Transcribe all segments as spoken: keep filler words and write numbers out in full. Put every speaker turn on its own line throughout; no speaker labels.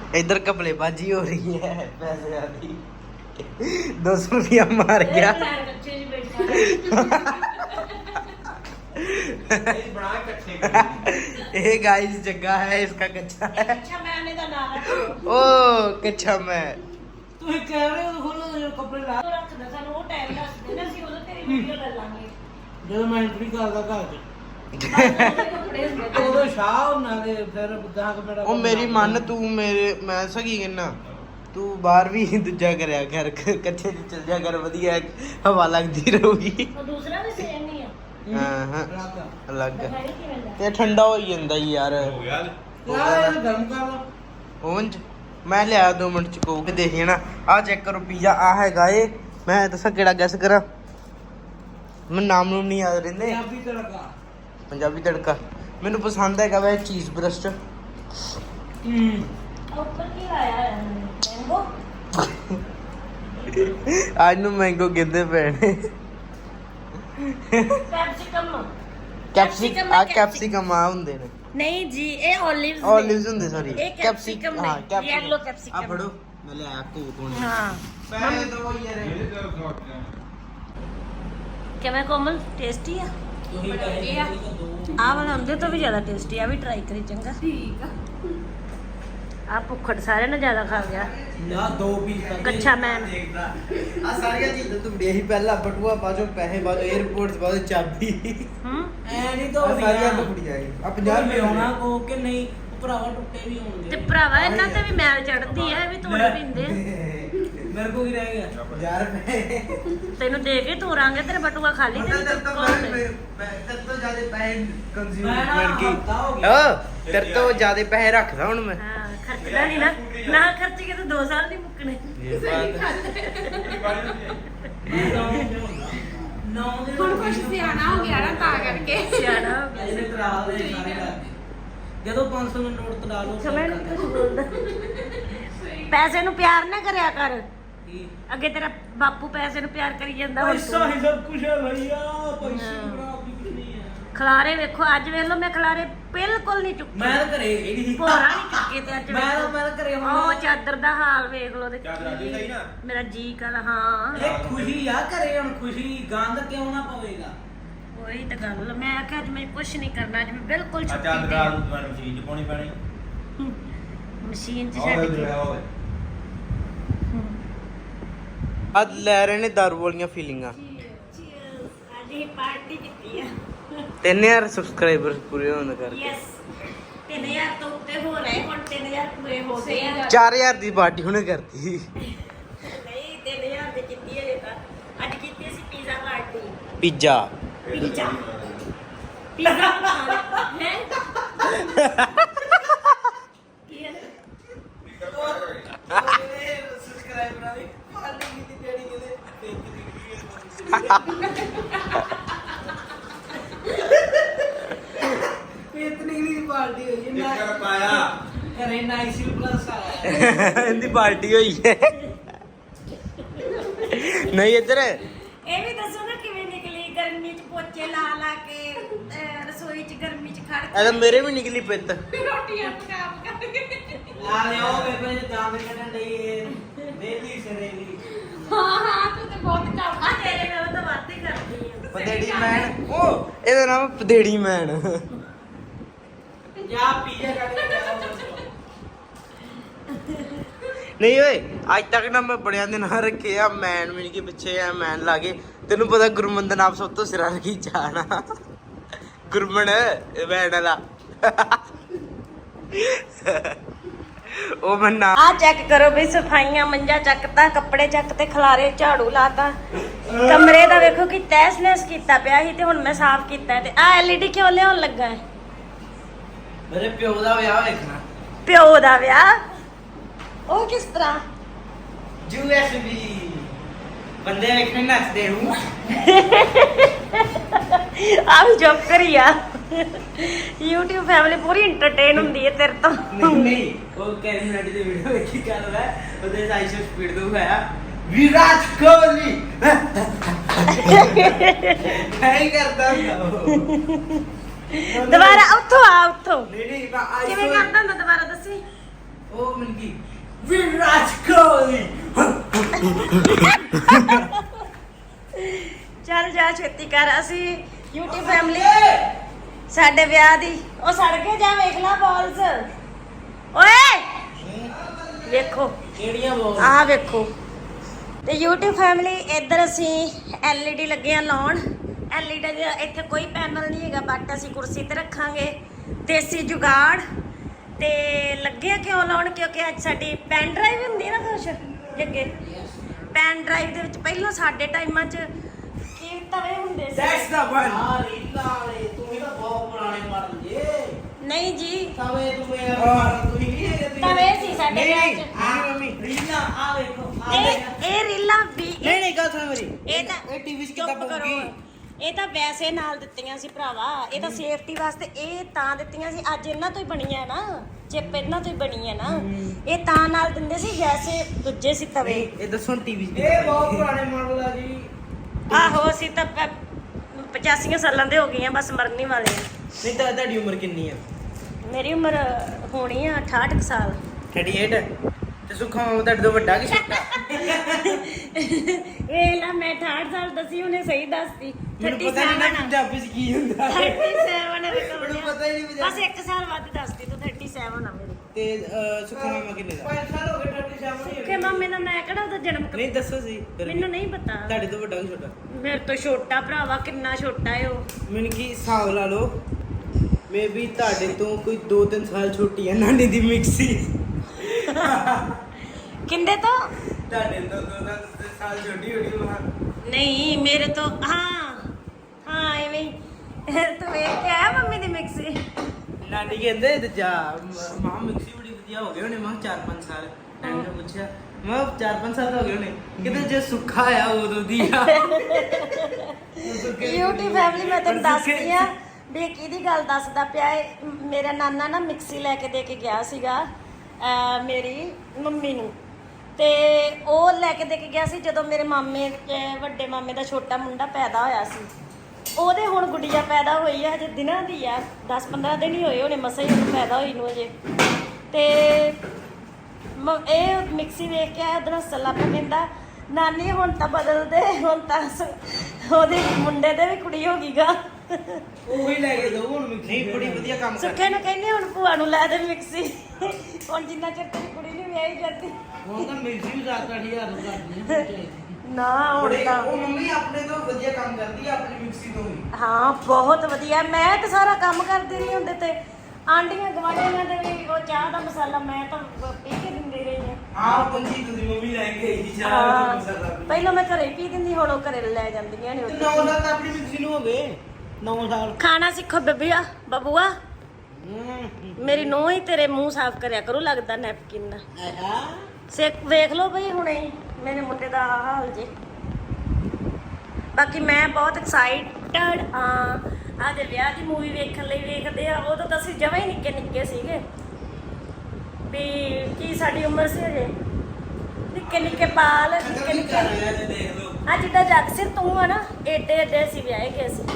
इधर कपड़ेबाजी हो रही है पैसे वाली दो सौ रुपया मार गया ये गाइस जग्गा है इसका कच्चा है ओ कच्चा मैं
ਤੂੰ ਕਹਿ ਰਹੇ ਹੋ ਖੋਲੋ ਕੱਪੜੇ ਲਾ ਜਦੋਂ ਮੈਂ ਐਂਟਰੀ ਕਰਦਾ ਘਰ ਚ ਉਦੋਂ ਸ਼ਾਹ ਉਹਨਾਂ ਦੇ ਫਿਰ ਗਾਹਕ ਮੇਰਾ
ਉਹ ਮੇਰੀ ਮੰਨ ਤੂੰ ਮੇਰੇ ਮੈਂ ਸਗੀ ਕਿੰਨਾ ਤੂੰ ਬਾਹਰ ਵੀ ਦੂਜਾ ਕਰਿਆ ਕਰ ਕੱਚੇ ਚ ਚੱਲ ਜਾ ਕਰ ਵਧੀਆ ਹਵਾ ਲੱਗਦੀ ਰਹੂਗੀ
ਦੂਸਰਾ ਵੀ ਸੇਮ ਨਹੀਂ ਆ
ਹਾਂ ਹਾਂ ਅਲੱਗ ਤੇ ਠੰਡਾ ਹੋ ਜਾਂਦਾ ਯਾਰ
ਯਾਰ ਇਹ ਗਰਮ ਕਰ ਲਾ
ਓਵਨ ਚ ਮੈਂ ਲਿਆ ਦੋ ਮਿੰਟ ਚ ਕੋਕ ਦੇਖੀ ਨਾ ਆਹ ਚੈੱਕ ਕਰੋ ਪੀਜ਼ਾ ਆ ਹੈਗਾ ਏ ਮੈਂ ਦੱਸਾਂ ਕਿਹੜਾ ਗੈਸ ਕਰਾਂ ਮੈਨੂੰ ਨਾਮ ਨੂੰ ਨਹੀਂ ਯਾਦ ਰਹਿੰਦੇ
ਪੰਜਾਬੀ ਤੜਕਾ
ਪੰਜਾਬੀ ਤੜਕਾ ਮੈਨੂੰ ਪਸੰਦ ਹੈਗਾ ਵੈ ਚੀਜ਼ ਬਰਸਟ
ਹੂੰ
ਉੱਪਰ ਕੀ ਲਾਇਆ ਹੈ ਮੈਂਗੋ
ਅੱਜ ਨੂੰ ਮੈਂਗੋ ਕਹਿੰਦੇ ਪੈਣੇ
ਕੈਪਸਿਕਮ
ਕੈਪਸਿਕਮ ਆ ਕੈਪਸਿਕਮ ਆ ਹੁੰਦੇ ਨੇ
ਨਹੀਂ ਜੀ ਇਹ ਓਲਿਵਸ
ਓਲਿਵਸ ਹੁੰਦੇ ਸੌਰੀ
ਇਹ capsicum
ਹਾਂ
ਨੇ,
capsicum।
yellow capsicum।
ਆ ਫੜੋ ਮੈਂ ਲਿਆ ਕੋਕ ਹੁਣ
ਹਾਂ
ਪੈਸੇ ਦੋ ਯਾਰ
ਕਿਵੇਂ ਕੋਮਲ ਟੇਸਟੀ ਆ
ਤੁਸੀਂ ਕਹਿੰਦੇ ਆ
ਆ ਵਾਲਾ ਹੁੰਦੇ ਤੋਂ ਵੀ ਜ਼ਿਆਦਾ ਟੇਸਟੀ ਆ ਵੀ ਟਰਾਈ ਕਰੀ ਚੰਗਾ ਠੀਕ ਆ ਆ ਭੁੱਖੜ ਸਾਰਿਆਂ ਨੇ ਜ਼ਿਆਦਾ ਖਾ ਗਿਆ
ਨਾ ਦੋ ਪੀਸ
ਕੱਚਾ ਮੈਨ
ਆ ਸਾਰੀਆਂ ਚੀਜ਼ਾਂ ਤੂੰ ਦੇਹੀ ਪਹਿਲਾਂ ਬਟੂਆ ਬਾਜੋ ਪੈਸੇ ਬਾਜੋ 에어ਪੋਰਟਸ ਬਾਜੋ ਚਾਬੀ
ਹੂੰ
ਐ ਨਹੀਂ
ਆ
ਧੋਦੀਆਂ
ਸਾਰੀਆਂ ਟੁਕੜੀ ਜਾਏਗੀ ਆ ਪੰਜਾਹ
ਯਾਰ
ਰੁਪਏ
ਆਉਣਾ ਕੋ ਕਿ ਨਹੀਂ ਭਰਾਵਾ ਟੁੱਟੇ ਵੀ ਹੋਣਗੇ
ਤੇ ਭਰਾਵਾ ਇਹਨਾਂ ਤੇ ਵੀ ਮੈਲ ਚੜਦੀ ਆ ਇਹ ਵੀ ਤੋੜ ਪੀਂਦੇ
ਮੇਰੇ ਕੋ ਕੀ ਰਹਿ ਗਿਆ
ਪੰਜਾਹ ਰੁਪਏ
ਤੈਨੂੰ ਦੇ ਕੇ ਤੋਰਾਂਗੇ ਤੇਰੇ ਬਟੂਆ ਖਾਲੀ
ਤੇਰੇ
ਤੇ
ਤੋਂ ਤੋਂ ਜ਼ਿਆਦਾ ਪੈਸੇ ਕੰਜ਼ਿਊਮ
ਮੈਂ ਨਾ
ਕਰ
ਹਫ਼ਤਾ ਹੋ
ਗਈ
ਗਿਆ।
ਓ ਤੇਰੇ ਤੋਂ ਜ਼ਿਆਦਾ ਪੈਸੇ ਰੱਖਦਾ ਹੁਣ ਮੈਂ
ਹਾਂ ਖਰਚਦਾ ਨਹੀਂ ਨਾ ਨਾ ਖਰਚ ਕੇ ਤਾਂ ਦੋ ਸਾਲ ਨਹੀਂ ਮੁੱਕਣੇ
ਨੌ ਦੇ
ਹੁਣ ਕੁਛ ਸਿਆਣਾ ਹੋ ਗਿਆ ਨਾ ਤਾਂ ਕਰਕੇ
ਸਿਆਣਾ ਹੋ ਗਿਆ
ਇਹਦੇ ਤਰਾ ਦੇ ਸਾਰੇ ਲੱਗ ਜਦੋਂ ਪੰਜ ਸੌ ਦਾ ਨੋਟ ਤੜਾ ਲਓ
ਸਮਝ ਨਹੀਂ ਕੁਝ ਬੋਲਦਾ ਪੈਸੇ ਨੂੰ ਪਿਆਰ ਨਾ ਕਰਿਆ ਕਰ
ਕੀ
ਅੱਗੇ ਤੇਰਾ ਬਾਪੂ ਪੈਸੇ ਨੂੰ ਪਿਆਰ ਕਰੀ ਜਾਂਦਾ ਹੁਣ
ਪੈਸਾ
ਤੂੰ।
ਹੀ ਸਭ ਕੁਝ ਹੈ ਭਈਆ ਪੈਸੇ
ਹਾਂ।
ਬਣਾ ਵੀ ਕੁਝ ਨਹੀਂ ਹੈ
ਖਲਾਰੇ ਵੇਖੋ ਅੱਜ ਵੇਖ ਲਓ ਮੈਂ ਖਲਾਰੇ ਬਿਲਕੁਲ ਨਹੀਂ ਚੁੱਕੇ
ਮੈਂ ਤਾਂ ਘਰੇ ਇਹਦੀ ਸੀ
ਭੋਰਾ ਨਹੀਂ ਚੁੱਕੇ ਤੇ ਅੱਜ
ਮੈਂ ਤਾਂ
ਵੇਖੋ।
ਮੈਂ ਤਾਂ ਘਰੇ
ਉਹ
ਹੁਣ
ਚਾਦਰ ਦਾ ਹਾਲ ਵੇਖ ਲਓ ਤੇ
ਚਾਦਰ ਅੱਜ ਵੀ ਸਹੀ ਨਾ?
ਮੇਰਾ ਜੀ ਕਰ ਹਾਂ
ਇਹ ਖੁਸ਼ੀ ਆ ਘਰੇ ਹੁਣ ਖੁਸ਼ੀ ਗੰਦ ਕਿਉਂ ਨਾ ਪਵੇਗਾ
ਉਹੀ ਤਾਂ ਗੱਲ ਮੈਂ ਆਖਿਆ ਅੱਜ ਮੈਂ ਕੁਝ ਨਹੀਂ ਕਰਨਾ ਅੱਜ ਮੈਂ ਬਿਲਕੁਲ
ਆ
ਛੁੱਟੀ
ਚਾਦਰ
ਤੇ
ਰਾਤ ਨੂੰ ਤੁਹਾਨੂੰ ਮਸ਼ੀਨ ਚ ਪਾਉਣੀ ਪੈਣੀ
ਮਸ਼ੀਨ 'ਚ
ਆਹ
ਛੱਡ
ਜਿਹੜਾ
ਕੇ
ਹੋਵੇ
ਅੱਜ ਲੈ ਰਹੇ ਨੇ ਦਾਰੂ ਵਾਲੀਆਂ ਫੀਲਿੰਗਾਂ
ਅੱਜ ਇਹ ਪਾਰਟੀ ਕੀਤੀ ਆ
ਤਿੰਨ ਹਜ਼ਾਰ ਸਬਸਕ੍ਰਾਈਬਰ ਪੂਰੇ ਹੋਣ ਕਰਕੇ
ਯੈਸ ਤਿੰਨ ਹਜ਼ਾਰ ਤੋਂ ਉੱਤੇ ਹੋ ਰਹੇ ਹੁਣ ਤਿੰਨ ਹਜ਼ਾਰ ਪੂਰੇ ਹੋ ਗਏ ਆ
ਚਾਰ ਹਜ਼ਾਰ ਦੀ ਪਾਰਟੀ ਹੁਣੇ ਕਰਤੀ
ਨਹੀਂ ਤਿੰਨ ਹਜ਼ਾਰ ਦੇ ਕੀਤੀ ਹੈ ਤਾਂ ਅੱਜ ਕੀਤੀ ਸੀ pizza party
pizza
pizza pizza ਹੈ ਕੀ ਹੈ
ਸਬਸਕ੍ਰਾਈਬਰਾਂ ਦੀ ਪਾਰਟੀ ਕੀਤੀ ਜਿਹੜੀ ਕਿਤੇ ਇਤਨੀ ਦੀ ਪਾਰਟੀ ਹੋਈ ਹੈ ਨਾ
ਕਰ ਪਾਇਆ
ਘਰੇ ਨਾਈਸੀ ਪਲੱਸ ਆਇਆ
ਇਹਦੀ ਪਾਰਟੀ ਹੋਈ ਹੈ ਨਹੀਂ ਇੱਧਰ
ਇਹ ਵੀ ਦੱਸੋ ਨਾ ਕਿਵੇਂ ਨਿਕਲੀ ਗਰਮੀ ਚ ਪੋਚੇ ਲਾ ਲਾ ਕੇ ਅਹ ਰਸੋਈ ਚ ਗਰਮੀ ਚ ਖੜ
ਇਹ ਤਾਂ ਮੇਰੇ ਵੀ ਨਿਕਲੀ ਪਿੱਤ
ਰੋਟੀਆਂ ਪਕਾ ਪਕਾ ਕੇ
ਆ ਲਿਓ ਵੇਖੋ ਇਹ ਦਾਮ ਕੱਢਣ ਲਈ ਇਹ ਵੇਲੀ ਸਰੇਲੀ
ਹਾਂ ਹਾਂ ਤੂੰ ਤੇ ਬਹੁਤ ਕੰਮ
ਆ ਤੇਰੇ ਨਾਲ ਤਾਂ ਵੱਧ ਹੀ ਕਰਦੀ ਆ
ਪਦੇੜੀ ਮੈਨ ਉਹ ਇਹਦਾ ਨਾਮ ਪਦੇੜੀ ਮੈਨ
ਜਾ ਪੀਜ਼ਾ ਕੱਢ ਕੇ ਲਿਆਓ
ਨਹੀਂ ਓਏ ਅੱਜ ਤੱਕ ਨਾ ਮੈਂ ਬੜਿਆਂ ਦੇ ਨਾਂ ਰੱਖੇ ਆ ਮੈਨ ਮਿਲ ਕੇ ਪਿੱਛੇ ਆ ਮੈਨ ਲਾ ਕੇ ਤੈਨੂੰ ਪਤਾ ਗੁਰਮਨ ਦਾ ਨਾਮ ਸਭ ਤੋਂ ਸਿਰਾ ਰੱਖੀ ਜਾਣਾ ਗੁਰਮਨ ਇਹ ਮੈਨ ਵਾਲਾ ਉਹ ਮੈਂ ਨਾ
ਆ ਚੈੱਕ ਕਰੋ ਬਈ ਸਫਾਈਆਂ ਮੰਜਾ ਚੱਕਤਾ ਕੱਪੜੇ ਚੱਕ ਤੇ ਖਲਾਰੇ ਝਾੜੂ ਲਾਤਾ ਕਮਰੇ ਦਾ ਵੇਖੋ ਕਿ ਤਹਿਸ ਨਹਿਸ ਕੀਤਾ ਪਿਆ ਸੀ ਤੇ ਹੁਣ ਮੈਂ ਸਾਫ਼ ਕੀਤਾ ਤੇ ਆ ਐਲਈਡੀ ਕਿਉਂ ਲਿਆਉਣ ਲੱਗਾ ਹੈ
ਮੇਰੇ ਪਿਓ ਦਾ ਵਿਆਹ ਵੇਖਣਾ
ਪਿਓ ਦਾ ਵਿਆਹ ਉਹ ਕਿਸ ਤਰ੍ਹਾਂ
ਯੂ ਐਸ ਬੀ ਬੰਦੇ ਵੇਖਣ ਨੱਚਦੇ ਹੂੰ
ਆ ਵੀ ਜੋਕ ਕਰੀ ਆ YouTube ਫੈਮਿਲੀ ਪੂਰੀ ਐਂਟਰਟੇਨ ਹੁੰਦੀ ਹੈ ਤੇਰੇ ਤੋਂ
ਨਹੀਂ ਨਹੀਂ ਉਹ ਕੈਰੀ ਮਿੰਟ ਦੀ ਵੀਡੀਓ ਵੇਖੀ ਕਰ ਰਿਹਾ ਉਹਦੇ ਸਾਈ ਸੌ ਸਪੀਡ ਤੋਂ ਹੋਇਆ ਵਿਰਾਟ ਕੋਹਲੀ ਨਹੀਂ ਕਰਦਾ ਹੁੰਦਾ ਉਹ।
ਦੁਬਾਰਾ ਉੱਥੋਂ ਆ ਉੱਥੋਂ
ਨਹੀਂ ਨਹੀਂ ਮੈਂ
ਕਿਵੇਂ ਕਰਦਾ ਹੁੰਦਾ ਦੁਬਾਰਾ ਦੱਸੀ
ਉਹ ਮਿਲ ਗਈ ਵਿਰਾਟ ਕੋਹਲੀ।
ਚੱਲ ਜਾ ਛੇਤੀ ਕਰ। ਅਸੀਂ YouTube ਫੈਮਿਲੀ ਸਾਡੇ ਵਿਆਹ ਦੀ ਉਹ ਸੜ ਕੇ ਜਾ ਵੇਖ ਲਾ ਬਾਲਸ। ਓਏ ਵੇਖੋ
ਕਿਹੜੀਆਂ ਬੋਲ
ਆਹ ਵੇਖੋ। ਤੇ YouTube ਫੈਮਿਲੀ ਇੱਧਰ ਅਸੀਂ ਐਲ ਈ ਡੀ ਲੱਗੇ ਆ ਲਾਉਣ। ਐਲ ਈ ਡੀ ਦਾ ਇੱਥੇ ਕੋਈ ਪੈਨਲ ਨਹੀਂ ਹੈਗਾ, ਬਟ ਅਸੀਂ ਕੁਰਸੀ ਤੇ ਰੱਖਾਂਗੇ। ਦੇਸੀ ਜੁਗਾੜ ਤੇ ਲੱਗੇ ਆ ਕਿਉਂ ਲਾਉਣ, ਕਿਉਂਕਿ ਅੱਜ ਸਾਡੀ ਪੈਨ ਡਰਾਈਵ ਹੁੰਦੀ ਹੈ ਨਾ ਕੁਛ ਅੱਗੇ। ਪੈਨ ਡਰਾਈਵ ਦੇ ਵਿੱਚ ਪਹਿਲਾਂ ਸਾਡੇ ਟਾਈਮਾਂ 'ਚ ਕੀ ਤਵੇ ਹੁੰਦੇ ਸੀ।
That's the one. ਆ ਰੀਲਾ ਵਾਲੇ ਤੂੰ ਵੀ ਤਾਂ ਬਹੁਤ ਪੁਰਾਣੇ ਮਾਡਲ ਜੇ।
ਨਹੀਂ ਜੀ
ਤਵੇ ਤੂੰ ਯਾਰ ਮਾਡਲ ਤੂੰ ਨਹੀਂ ਹੈਗੇ ਤੁਸੀਂ।
ਤਵੇ ਸੀ ਸਾਡੇ ਵਿਆਹ 'ਚ।
ਨਹੀਂ ਮੰਮੀ ਰੀਲਾ ਆ ਵੇਖੋ ਆ
ਇਹ ਇਹ ਰੀਲਾਂ ਵੀ
ਨਹੀਂ ਨਹੀਂ ਗੱਲ ਸੁਣ ਮੇਰੀ
ਇਹ ਤਾਂ
ਇਹ ਟੀਵੀ 'ਚ
ਚੁੱਪ
ਕਿੱਦਾਂ
ਕਰੋ।
ਪਊਗੀ?
ਇਹ ਤਾਂ ਵੈਸੇ ਨਾਲ ਦਿੱਤੀਆਂ ਸੀ ਭਰਾਵਾ, ਇਹ ਤਾਂ ਸੇਫਟੀ ਵਾਸਤੇ ਇਹ ਤਾਂ ਦਿੱਤੀਆਂ ਸੀ। ਅੱਜ ਇਹਨਾਂ ਤੋਂ ਹੀ ਬਣੀਆਂ ਨਾ, ਚਿੱਪ ਇਹਨਾਂ ਤੋਂ ਹੀ ਬਣੀ ਹੈ ਨਾ। ਇਹ ਤਾਂ ਨਾਲ ਦਿੰਦੇ ਸੀ ਵੈਸੇ ਦੂਜੇ ਸੀ ਤਵੇ।
ਇਹ ਦੱਸੋ ਟੀਵੀ 'ਚ ਇਹ ਬਹੁਤ ਪੁਰਾਣੇ ਮਾਡਲ ਆ ਜੀ।
ਆਹੋ ਅਸੀਂ ਤਾਂ ਪ- ਪਚਾਸੀਆਂ ਸਾਲਾਂ ਦੇ ਹੋ ਗਏ ਆ, ਬਸ ਮਰਨੀ ਵਾਲੇ ਆ।
ਨਹੀਂ ਤਾਂ ਤੁਹਾਡੀ ਉਮਰ ਕਿੰਨੀ ਆ?
ਮੇਰੀ ਉਮਰ ਹੋਣੀ ਆ ਅਠਾਹਠ ਕੁ ਸਾਲ।
ਅਠਾਸੀ। ਤੇ ਸੁੱਖਾ ਮਾਮਾ ਤੁਹਾਡੇ ਤੋਂ ਵੱਡਾ ਕਿ ਛੋਟਾ?
ਇਹ ਲਾ ਮੈਂ ਅਠਾਹਠ ਸਾਲ ਦੱਸੀ, ਉਹਨੇ ਸਹੀ ਦੱਸਤੀ।
ਮੈਨੂੰ ਪਤਾ ਨਹੀਂ ਨਾ ਪੰਜਾਬੀ 'ਚ ਕੀ ਹੁੰਦਾ।
ਸੈਂਤੀ ਸੈਵਨ
ਮੈਨੂੰ ਪਤਾ ਹੀ ਨਹੀਂ ਪੰਜਾਬੀ।
ਬਸ ਇੱਕ ਸਾਲ ਵੱਧ ਦੱਸਦੀ ਤੂੰ। ਸੈਂਤੀ ਸੈਵਨ ਆ ਮੇਰੀ।
ਤੇ ਅਹ, ਸੁੱਖਾ ਮਾਮਾ ਕਿੰਨੇ ਦਾ? ਪੰਜ ਸਾਲ ਹੋ ਗਏ ਅਠਾਸੀ।
ਸੁੱਖੇ ਮਾਮੇ ਦਾ ਮੈਂ ਕਿਹੜਾ ਉਹਦਾ ਜਨਮ ਕਰ-
ਨਹੀਂ ਦੱਸੋ ਸੀ ਫਿਰ ਵੀ।
ਮੈਨੂੰ ਨਹੀਂ ਪਤਾ।
ਤੁਹਾਡੇ ਤੋਂ ਵੱਡਾ ਕਿ ਛੋਟਾ?
ਮੇਰੇ ਤੋਂ ਛੋਟਾ ਭਰਾਵਾ, ਕਿੰਨਾ ਛੋਟਾ ਏ ਉਹ।
ਮੈਨੂੰ ਕੀ ਹਿਸਾਬ ਲਾ ਲਓ, ਮੇ ਵੀ ਤੁਹਾਡੇ ਤੋਂ ਕੋਈ ਦੋ ਤਿੰਨ ਸਾਲ ਛੋਟੀ ਹੈ ਨਾਨੀ ਦੀ ਮਿਕਸੀ।
ਕਿੰਦੇ ਤੋਂ?
ਤੁਹਾਡੇ ਤੋਂ ਦੋ ਤਿੰਨ ਸਾਲ ਛੋਟੀ ਹੋਣੀ ਮਾਂ।
ਨਹੀਂ ਮੇਰੇ ਤੋਂ ਹਾਂ ਹਾਂ ਐਵੇਂ ਹੀ। ਤੂੰ ਵੇਖ ਕੇ ਆਇਆ ਮੰਮੀ ਦੀ ਮਿਕਸੀ?
ਨਾਨੀ ਕਹਿੰਦੇ ਤੇ ਜਾ ਮਾਂ ਮਿਕਸੀ ਬੜੀ ਵਧੀਆ ਹੋ ਗਈ ਹੋਣੀ। ਮਾਂ ਚਾਰ ਪੰਜ ਸਾਲ। ਨਾਨੀ ਨੇ ਪੁੱਛਿਆ, ਮਾਂ ਚਾਰ ਪੰਜ ਸਾਲ ਹੋ ਗਏ ਹੋਣੇ? ਕਿਤੇ ਜੇ ਸੁੱਖਾ ਆ ਉਦੋਂ ਦੀ ਆ।
YouTube ਫੈਮਿਲੀ ਮੈਂ ਤੈਨੂੰ ਦੱਸਦੀ ਆ ਵੀ ਇਹ ਕਿਹਦੀ ਗੱਲ ਦੱਸਦਾ ਪਿਆ ਏ। ਮੇਰਾ ਨਾਨਾ ਨਾ ਮਿਕਸੀ ਲੈ ਕੇ ਦੇ ਕੇ ਗਿਆ ਸੀਗਾ ਅਹ ਮੇਰੀ ਮੰਮੀ ਨੂੰ। ਤੇ ਉਹ ਲੈ ਕੇ ਦੇ ਕੇ ਗਿਆ ਸੀ ਜਦੋਂ ਮੇਰੇ ਮਾਮੇ ਅਹ ਵੱਡੇ ਮਾਮੇ ਦਾ ਛੋਟਾ ਮੁੰਡਾ ਪੈਦਾ ਹੋਇਆ ਸੀ। ਉਹਦੇ ਹੁਣ ਗੁੱਡੀਆ ਪੈਦਾ ਹੋਈ ਆ, ਹਜੇ ਦਿਨਾਂ ਦੀ ਆ, ਦਸ ਪੰਦਰਾਂ ਦਿਨ ਹੀ ਹੋਏ ਹੋਣੇ ਮਸਾਂ ਹੀ ਉਹਨੂੰ ਪੈਦਾ ਹੋਈ ਨੂੰ ਅਜੇ। ਤੇ ਮ- ਇਹ ਮਿਕਸੀ ਵੇਖ ਕੇ ਆਇਆ, ਉਹਦੇ ਨਾਲ ਸੱਲਾ ਪਿਆ, ਕਹਿੰਦਾ ਨਾਨੀ ਹੁਣ ਤਾਂ ਬਦਲ ਦੇ, ਹੁਣ ਤਾਂ ਸ- ਉਹਦੇ ਮੁੰਡੇ ਦੇ ਵੀ ਕੁੜੀ ਹੋ ਗਈ ਗਾ।
ਉਹ ਹੀ ਲੈ ਕੇ ਦੋ ਹੁਣ ਮਿਕਸੀ। ਨਹੀਂ ਬੜੀ ਵਧੀਆ ਕੰਮ ਕਰ।
ਸੁੱਖੇ ਨੂੰ ਕਹਿੰਦੇ ਹੁਣ ਭੂਆ ਨੂੰ ਲੈ ਦੇ ਮਿਕਸੀ। ਹੁਣ ਜਿੰਨਾ ਚਿਰ ਤੇਰੀ ਕੁੜੀ ਨਹੀਂ ਵਿਆਹੀ ਜਾਂਦੀ।
ਹੁਣ ਤਾਂ ਮਿਕਸੀ ਵੀ ਸੱਤ ਅੱਠ ਹਜ਼ਾਰ ਨੂੰ ਕਰਦੀ
ਨਾ ਹੁਣ
ਬੜੇ
ਤਾਂ
ਉਹ ਮੰਮੀ ਆਪਣੇ ਤੋਂ ਵਧੀਆ ਕੰਮ ਕਰਦੀ ਆ ਆਪਣੀ ਮਿਕਸੀ ਤੋਂ ਵੀ।
ਹਾਂ ਬਹੁਤ ਵਧੀਆ। ਮੈਂ ਤਾਂ ਸਾਰਾ ਕੰਮ ਕਰਦੀ ਰਹੀ ਹੁੰਦੇ ਤੇ ਆਂਡੀਆਂ ਗਵਾਂਢੀਆਂ ਦੇ ਵੀ ਉਹ ਚਾਹ ਦਾ ਮਸਾਲਾ ਮੈਂ ਤਾਂ ਪੀ ਕੇ ਦਿੰਦੀ ਰਹੀ ਹਾਂ।
ਆਹ ਪੰਜੀ ਤੁਸੀਂ ਮੰਮੀ ਲੈ ਕੇ ਆਈ ਸੀ ਚਾਹ
ਹਾਂ,
ਦਾ ਮਸਾਲਾ ਵੀ।
ਪਹਿਲਾਂ ਮੈਂ ਘਰੇ ਹੀ ਪੀ ਦਿੰਦੀ, ਹੁਣ ਉਹ ਘਰੇ ਲੈ ਜਾਂਦੀਆਂ ਨੇ।
ਤੇ ਨੌ ਸਾਲ ਤਾਂ ਆਪਣੀ ਮਿਕਸੀ ਨੂੰ ਹੋ ਗਏ। ਨੌ ਸਾਲ।
ਖਾਣਾ ਸਿੱਖੋ ਬੇਬੀਆ ਬਬੂਆ। ਮੇਰੀ ਨੂੰਹ ਹੀ ਤੇਰੇ ਮੂੰਹ ਸਾਫ਼ ਕਰਿਆ ਕਰੂ, ਲੱਗਦਾ ਨੈਪਕਿਨ ਨਾਲ।
ਆਹਾ।
ਸਿੱਖ ਵੇਖ ਲਓ ਬਈ ਹੁਣੇ ਹੀ ਮੇਰੇ ਮੁੰਡੇ ਦਾ ਆਹ ਹਾਲ ਜੇ। ਬਾਕੀ ਮੈਂ ਬਹੁਤ ਐਕਸਾਈਟਡ ਹਾਂ ਆਦੇ ਵਿਆਹ ਦੀ ਮੂਵੀ ਵੇਖਣ ਲਈ। ਵੇਖਦੇ ਆ ਉਦੋਂ ਤਾਂ ਅਸੀਂ ਜਮਾਂ ਹੀ ਨਿੱਕੇ ਨਿੱਕੇ ਸੀਗੇ ਵੀ ਕੀ ਸਾਡੀ ਉਮਰ ਸੀ ਅਜੇ ਨਿੱਕੇ ਨਿੱਕੇ ਬਾਲ ਨਿੱਕੇ ਨਿੱਕੇ।
ਦੇਖ ਲਓ।
ਆ ਜਿੱਦਾਂ ਜੱਗ ਸਿਰ ਤੂੰ ਆ ਨਾ ਏਡੇ ਏਡੇ ਅਸੀਂ ਵਿਆਹੇ ਗਏ ਸੀ।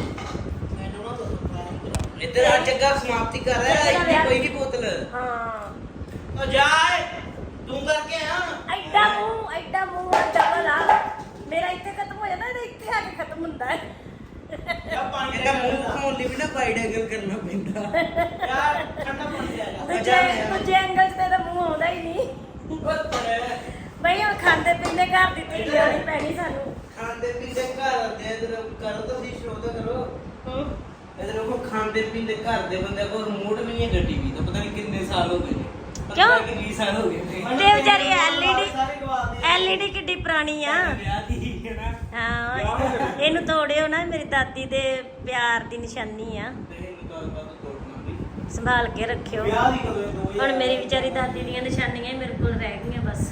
ਇੱਧਰ ਆ ਜੱਗਾ ਸਮਾਪਤੀ ਕਰ ਰਿਹਾ ਹੈ। ਇੱਥੇ ਕੋਈ ਨਹੀਂ ਬੋਤਲ।
ਹਾਂ
ਉਹ ਜਾ ਤੂੰ ਕਰਕੇ ਆ।
ਐਡਾ ਮੂੰਹ ਐਡਾ ਮੂੰਹ ਆ ਡਬਲ ਆ ਮੇਰਾ। ਇੱਥੇ ਖਤਮ ਹੋ ਜਾਂਦਾ, ਇਹਦਾ ਇੱਥੇ ਆ ਕੇ ਖਤਮ ਹੁੰਦਾ ਹੈ।
ਇਹਦਾ ਮੂੰਹ ਖੋਲ ਲਈ ਵੀ ਨਾ ਵਾਈਡ ਐਂਗਲ ਕਰਨਾ ਪੈਂਦਾ। ਯਾਰ ਠੰਡਾ ਪਾਣੀ ਲੈ ਜਾ।
ਦੂਜੇ ਦੂਜੇ ਐਂਗਲ ਤੇ ਇਹਦਾ ਮੂੰਹ ਆਉਂਦਾ ਹੀ ਨਹੀਂ। ਬਈ ਹੁਣ ਖਾਂਦੇ ਪੀਂਦੇ ਘਰ ਦੀ ਧੀ ਲਿਆਉਣੀ ਪੈਣੀ ਸਾਨੂੰ।
ਖਾਂਦੇ ਪੀਂਦੇ ਘਰ ਦੇ ਇਧਰ ਕਰੋ ਤਾਂ ਸੀ ਸ਼ੋਅ ਤਾਂ ਕਰੋ। ਇਧਰ ਕੋ ਖਾਂਦੇ ਪੀਂਦੇ ਘਰ ਦੇ ਬੰਦੇ ਕੋਲ ਰਿਮੋਟ ਵੀ ਨਹੀਂ ਹੈ ਗੱਡੀ ਵੀ ਤਾਂ ਪਤਾ ਨਹੀਂ ਕਿੰਨੇ ਸਾਲ ਹੋ ਗਏ ਨੇ।
ਕਿਉਂ?
ਪਤਾ ਨਹੀਂ ਵੀਹ ਸਾਲ ਹੋ ਗਏ ਨੇ।
ਤੇ ਵਿਚਾਰੀ ਐਲਈਡੀ ਐਲਈਡੀ ਕਿੱਡੀ ਪੁਰਾਣੀ ਆ।
ਵਿਆਹ ਦੀ ਹੈ ਨਾ।
ਹਾਂ ਇਹਨੂੰ ਤੋੜਿਓ ਨਾ, ਮੇਰੀ ਦਾਦੀ ਦੇ ਪਿਆਰ ਦੀ ਨਿਸ਼ਾਨੀ ਆ।
ਤੇ ਇਹਨੂੰ ਤਾਂ ਬਾਅਦ ਤੋੜਨਾ ਵੀ।
ਸੰਭਾਲ ਕੇ ਰੱਖਿਓ।
ਵਿਆਹ ਦੀ ਕਦੋਂ ਦੋ ਹਜ਼ਾਰ
ਹੁਣ ਮੇਰੀ ਵਿਚਾਰੀ ਦਾਦੀ ਦੀਆਂ ਨਿਸ਼ਾਨੀਆਂ ਹੀ ਮੇਰੇ ਕੋਲ ਰਹਿ ਗਈਆਂ ਬਸ।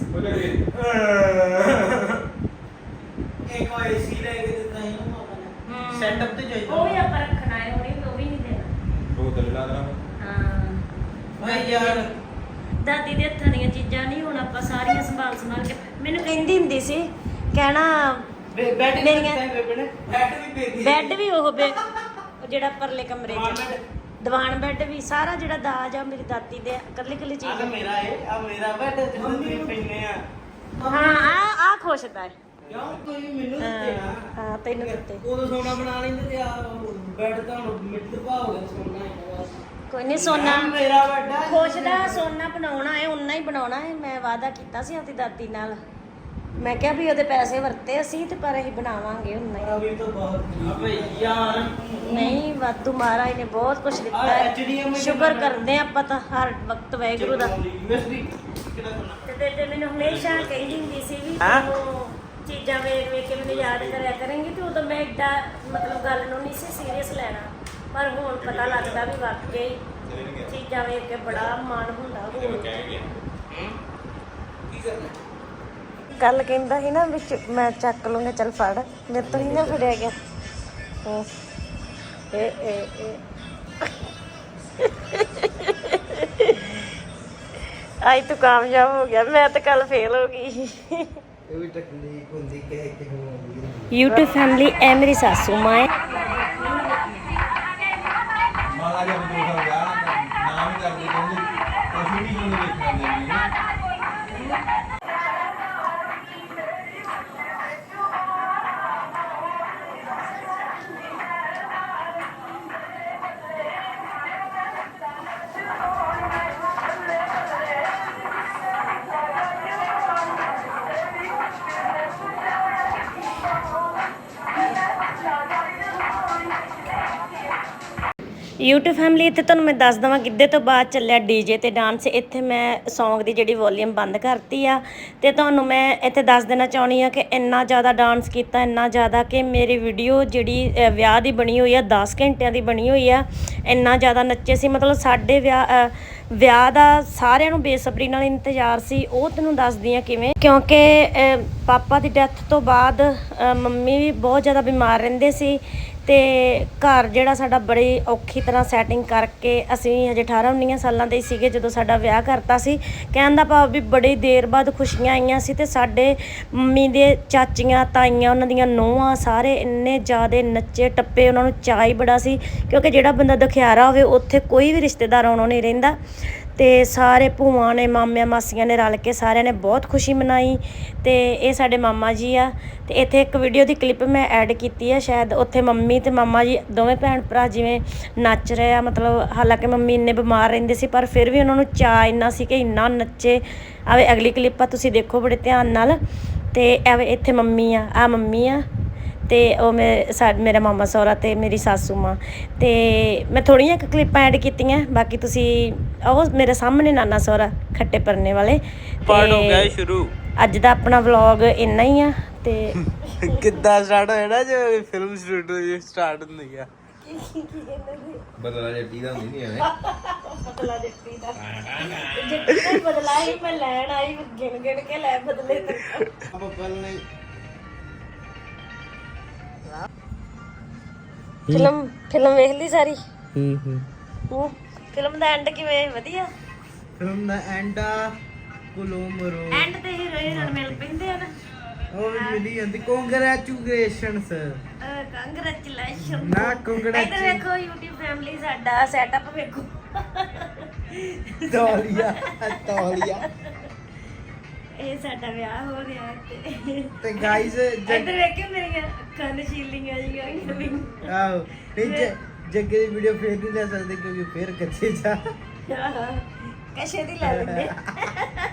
ਇੱਕ ਉਹ ਏਸੀ ਲੈ ਕੇ ਦਿੱਤਾ ਸੀ ਨਾ ਮਾਪਾ ਨੇ। ਸੈਟਅਪ ਤੇ ਚਾਹੀਦਾ।
ਉਹ ਵੀ ਆਪਾਂ ਰੱਖਣਾ ਹੈ, ਉਹਨੇ ਉਹ ਵੀ ਨਹੀਂ ਦੇਣਾ।
ਉਹ ਤੇ ਲਾ ਦੇਣਾ।
ਹਾਂ
ਓਏ ਯਾਰ
ਦਾਦੀ ਦੇ ਹੱਥਾਂ ਦੀਆਂ ਚੀਜ਼ਾਂ ਨਹੀਂ ਹੁਣ ਆਪਾਂ ਸਾਰੀਆਂ ਸੰਭਾਲ ਸੰਭਾਲ ਕੇ। ਮੈਨੂੰ ਕਹਿੰਦੀ ਹੁੰਦੀ ਸੀ ਕਹਿਣਾ
ਬੈੱਡ
ਮੇਰੀਆਂ-
ਬੈੱਡ ਵੀ ਦੇ ਦੀ।
ਬੈੱਡ ਵੀ ਉਹ ਬੇ ਉਹ ਜਿਹੜਾ ਪਰਲੇ ਕਮਰੇ 'ਚ। ਦੀਵਾਨ ਬੈੱਡ ਵੀ ਸਾਰਾ ਜਿਹੜਾ ਦਾਜ ਆ ਮੇਰੀ ਦਾਦੀ ਦੇ ਇਕੱਲੀ ਇਕੱਲੀ
ਆ
ਚੀਜ਼
ਤਾਂ ਮੇਰਾ ਏ ਆ ਮੇਰਾ ਬੈੱਡ ਜਿੱਦਾਂ ਤੁਸੀਂ ਪੈਨੇ ਆ
ਹਾਂ ਆ ਆ ਖੁਸ਼ਦਾ ਹੈ
ਕਿਉਂ ਕੋਈ ਮੈਨੂੰ ਦਿੱਤੇ ਨਾ
ਹਾਂ ਤੈਨੂੰ ਦਿੱਤੇ
ਉਦੋਂ ਸੋਨਾ ਬਣਾ ਲੈਂਦੇ ਤੇ ਆ ਬੈੱਡ ਤਾਂ ਹੁਣ ਮਿੱਟ ਪਾ ਹੋ ਗਿਆ ਸੋਨਾ ਹੈਗਾ
ਕੋਈ ਨਹੀਂ ਸੋਨਾ
ਆਹ ਮੇਰਾ ਵੱਡਾ
ਖੁਸ਼ਦਾ ਸੋਨਾ ਬਣਾਉਣਾ ਹੈ ਉਨਾ ਹੀ ਬਣਾਉਣਾ ਹੈ ਮੈਂ ਵਾਅਦਾ ਕੀਤਾ ਸੀ ਆਪਣੀ ਦਾਦੀ ਨਾਲ ਮੈਂ ਕਿਹਾ ਵੀ ਉਹਦੇ ਪੈਸੇ ਵਰਤੇ ਅਸੀਂ ਤੇ ਪਰ ਅਸੀਂ ਬਣਾਵਾਂਗੇ ਉਨਾ ਹੀ
ਅਭੀ ਤਾਂ ਬਹੁਤ ਅਬੇ ਯਾਰ
ਨਹੀਂ ਵਾਧੂ ਮਹਾਰਾਜ ਨੇ ਬਹੁਤ ਕੁਝ ਦਿੱਤਾ
ਆ H D M
ਹੈ
I
ਸ਼ੁਕਰ ਕਰਦੇ ਹਾਂ ਆਪਾਂ ਤਾਂ ਹਰ ਵਕਤ ਵਾਹਿਗੁਰੂ ਦਾ
ਯੂਐਸਬੀ ਕਿਹੜਾ ਕਰਨਾ
ਤੇ ਬੇਟੇ ਮੈਨੂੰ ਹਮੇਸ਼ਾ ਕਹਿੰਦੀ ਹੁੰਦੀ ਸੀ ਵੀ
ਹੈਂ?
ਤੂੰ ਚੀਜ਼ਾਂ ਵੇਖ ਵੇਖ ਕੇ ਮੈਨੂੰ ਯਾਦ ਕਰਿਆ ਕਰੇਂਗੀ ਤੇ ਉਦੋਂ ਮੈਂ ਏਡਾ ਮਤਲਬ ਗੱਲ ਨੂੰ ਨਹੀਂ ਸੀ ਸੀਰੀਅਸ ਲੈਣਾ ਪਰ ਹੁਣ ਪਤਾ ਲੱਗਦਾ ਵੀ ਵਾਕਈ ਚੀਜ਼ਾਂ ਵੇਖ ਕੇ ਬੜਾ ਮਨ ਹੁੰਦਾ ਹੁਣ
ਕੀ ਕਰਨਾ
ਕੱਲ ਕਹਿੰਦਾ ਸੀ ਨਾ ਵਿੱਚ ਮੈਂ ਚੱਕ ਲੂੰਗਾ ਚੱਲ ਫੜ ਮੇਰੇ ਤੋਂ ਨਹੀਂ ਨਾ ਫੜਿਆ ਗਿਆ ਹਾਂ ਇਹ ਇਹ ਇਹ ਆਈ ਤੂੰ ਕਾਮਯਾਬ ਹੋ ਗਿਆ ਮੈਂ ਤਾਂ ਕੱਲ ਫੇਲ ਹੋ ਗਈ
ਇਹ ਵੀ ਟੈਕਨੀਕ ਹੁੰਦੀ ਕਿ ਇੱਕ ਹੁੰਦੀ
YouTube ਫੈਮਿਲੀ ਐ ਮੇਰੀ ਸਾਸੂ ਮਾਂ ਹੈ
ਮਾਲਾ ਜੀ ਆਪਣੇ ਕੋਲ ਗਿਆ ਨਾਮ ਹੀ ਕਰਦੇ ਕਹਿੰਦੇ ਕੁਝ ਵੀ ਨਹੀਂ ਦੇਖਣਾ ਦਿੰਦੇ
YouTube ਫੈਮਿਲੀ ਇੱਥੇ ਤੁਹਾਨੂੰ ਮੈਂ ਦੱਸ ਦਵਾਂ ਗਿੱਧੇ ਤੋਂ ਬਾਅਦ ਚੱਲਿਆ ਡੀਜੇ ਤੇ ਡਾਂਸ ਇੱਥੇ ਮੈਂ Song ਦੀ ਜਿਹੜੀ ਵੋਲੀਅਮ ਬੰਦ ਕਰਤੀ ਆ ਤੇ ਤੁਹਾਨੂੰ ਮੈਂ ਇੱਥੇ ਦੱਸ ਦੇਣਾ ਚਾਹੁੰਦੀ ਆ ਕਿ ਇੰਨਾ ਜ਼ਿਆਦਾ ਡਾਂਸ ਕੀਤਾ ਇੰਨਾ ਜ਼ਿਆਦਾ ਕਿ ਮੇਰੀ ਵੀਡੀਓ ਜਿਹੜੀ ਅ, ਵਿਆਹ ਦੀ ਬਣੀ ਹੋਈ ਆ ਦਸ ਘੰਟਿਆਂ ਦੀ ਬਣੀ ਹੋਈ ਆ ਇੰਨਾ ਜ਼ਿਆਦਾ ਨੱਚੇ ਸੀ ਮਤਲਬ ਸਾਡੇ ਵਿਆਹ ਅ, ਵਿਆਹ ਦਾ ਸਾਰਿਆਂ ਨੂੰ ਬੇਸਬਰੀ ਨਾਲ ਇੰਤਜ਼ਾਰ ਸੀ ਉਹ ਤੈਨੂੰ ਦੱਸਦੀ ਆ ਕਿਵੇਂ ਕਿਉਂਕਿ ਅ, ਪਾਪਾ ਦੀ ਡੈਥ ਤੋਂ ਬਾਅਦ ਅ, ਮੰਮੀ ਵੀ ਬਹੁਤ ਜ਼ਿਆਦਾ ਬਿਮਾਰ ਰਹਿੰਦੇ ਸੀ ਤੇ ਘਰ ਜਿਹੜਾ ਸਾਡਾ ਬੜੀ ਔਖੀ ਤਰ੍ਹਾਂ ਸੈਟਿੰਗ ਕਰਕੇ ਅਸੀਂ ਹਜੇ ਅਠਾਰਾਂ ਉੱਨੀ ਸਾਲਾਂ ਦੇ ਸੀਗੇ ਜਦੋਂ ਸਾਡਾ ਵਿਆਹ ਕਰਤਾ ਸੀ ਕਹਿਣ ਦਾ ਭਾਵ ਵੀ ਬੜੀ ਦੇਰ ਬਾਅਦ ਖੁਸ਼ੀਆਂ ਆਈਆਂ ਸੀ ਤੇ ਸਾਡੇ ਮੰਮੀ ਦੇ ਚਾਚੀਆਂ ਤਾਈਆਂ ਉਹਨਾਂ ਦੀਆਂ ਨੂੰਹਾਂ ਸਾਰੇ ਇੰਨੇ ਜ਼ਿਆਦਾ ਨੱਚੇ ਟੱਪੇ ਉਹਨਾਂ ਨੂੰ ਚਾਅ ਹੀ ਬੜਾ ਸੀ ਕਿਉਂਕਿ ਜਿਹੜਾ ਬੰਦਾ ਦੁਖਿਆਰਾ ਹੋਵੇ ਉੱਥੇ ਕੋਈ ਵੀ ਰਿਸ਼ਤੇਦਾਰ ਆਉਣੋਂ ਨਹੀਂ ਰਹਿੰਦਾ ਤੇ ਸਾਰੇ ਭੂਆ ਨੇ ਮਾਮਿਆਂ ਮਾਸੀਆਂ ਨੇ ਰਲ ਕੇ ਸਾਰਿਆਂ ਨੇ ਬਹੁਤ ਖੁਸ਼ੀ ਮਨਾਈ ਤੇ ਇਹ ਸਾਡੇ ਮਾਮਾ ਜੀ ਆ ਤੇ ਇੱਥੇ ਇੱਕ ਵੀਡੀਓ ਦੀ ਕਲਿੱਪ ਮੈਂ ਐਡ ਕੀਤੀ ਆ ਸ਼ਾਇਦ ਉੱਥੇ ਮੰਮੀ ਤੇ ਮਾਮਾ ਜੀ ਦੋਵੇਂ ਭੈਣ ਭਰਾ ਜਿਵੇਂ ਨੱਚ ਰਹੇ ਆ ਮਤਲਬ ਹਾਲਾਂਕਿ ਮੰਮੀ ਇੰਨੇ ਬਿਮਾਰ ਰਹਿੰਦੇ ਸੀ ਪਰ ਫਿਰ ਵੀ ਉਹਨਾਂ ਨੂੰ ਚਾਅ ਇੰਨਾ ਸੀ ਕਿ ਇੰਨਾ ਨੱਚੇ ਆਵੇ ਅਗਲੀ ਕਲਿੱਪ ਆ ਤੁਸੀਂ ਦੇਖੋ ਬੜੇ ਧਿਆਨ ਨਾਲ ਤੇ ਐਵੇਂ ਇੱਥੇ ਮੰਮੀ ਆ ਆ ਮੰਮੀ ਆ ਤੇ ਉਹ ਮੇਰੇ ਸਾ ਮੇਰਾ ਮਾਮਾ ਸਹੁਰਾ ਤੇ ਮੇਰੀ ਸਾਸੂ ਮਾਂ ਤੇ ਮੈਂ ਥੋੜ੍ਹੀਆਂ ਕੁ ਕਲਿੱਪਾਂ ਐਡ ਕੀਤੀਆਂ ਬਾਕੀ ਤੁਸੀਂ ਉਹ ਮੇਰੇ ਸਾਹਮਣੇ ਨਾਨਾ ਸਹੁਰਾ ਖੱਟੇ ਪਰਨੇ ਵਾਲੇ
ਪਾਰਟ ਹੋ ਗਿਆ ਸ਼ੁਰੂ
ਅੱਜ ਦਾ ਆਪਣਾ ਵਲੌਗ ਇੰਨਾ ਹੀ ਆ ਤੇ
ਕਿੱਦਾਂ ਸਟਾਰਟ ਹੋਇਆ ਨਾ ਜੋ ਫਿਲਮ ਸ਼ੂਟ ਸਟਾਰਟ ਹੁੰਦੀ ਆ
ਬਦਲਾ ਜੱਟੀ ਦਾ ਹੁੰਦੀ ਨਹੀਂ ਐਵੇਂ
ਬਦਲਾ ਜੱਟੀ ਦਾ ਜੱਟੀ ਦਾ ਹੀ ਬਦਲਾ ਹੀ ਮੈਂ ਲੈਣ ਆਈ ਗਿਣ ਗਿਣ ਕੇ ਲੈ ਬਦਲੇ ਤੇ
ਆਪਾਂ ਪਹਿਲਾਂ
ਫਿਲਮ ਫਿਲਮ ਵੇਖ ਲਈ ਸਾਰੀ
ਹੂੰ ਹੂੰ
ਹੂੰ ਫਿਲਮ ਦਾ ਐਂਡ ਕਿਵੇਂ ਵਧੀਆ
ਫਿਲਮ ਦਾ ਐਂਡ ਆ ਕੋਲੋਮਰੋ
ਐਂਡ ਤੇ ਹੀਰੋ ਹੀਰੋਇਨ ਮਿਲ ਪੈਂਦੇ ਆ ਨਾ
ਉਹ ਵੀ ਮਿਲੀ ਜਾਂਦੀ ਕੰਗ੍ਰੈਚੁਲੇਸ਼ਨਸ
ਕੰਗ੍ਰੈਚੁਲੇਸ਼ਨ
ਨਾ
ਇੱਧਰ
ਕੰਗ੍ਰੈਚੁਲੇਸ਼ਨ
ਵੇਖੋ YouTube ਫੈਮਿਲੀ ਸਾਡਾ ਸੈਟਅਪ ਵੇਖੋ
ਤੌਲੀਆ ਤੌਲੀਆ
ਇਹ ਸਾਡਾ ਵਿਆਹ ਹੋ ਗਿਆ ਤੇ
ਤੇ ਗਾਇਜ਼
ਇੱਧਰ ਵੇਖੋ ਮੇਰੀਆਂ ਅੱਖਾਂ ਨਸ਼ੀਲੀਆਂ ਜਿਹੀਆਂ ਹੋਈਆਂ ਵੀ
ਆਓ ਨਹੀਂ ਜ- ਜੱਗੇ ਦੀ ਵੀਡੀਓ ਫੇਰ ਨਹੀਂ ਲੈ ਸਕਦੇ ਕਿਉਂਕਿ ਫੇਰ ਕੱਚੇ ਜਾ
ਕਸ਼ੇ ਦੀ ਲੈ ਲੈਂਦੇ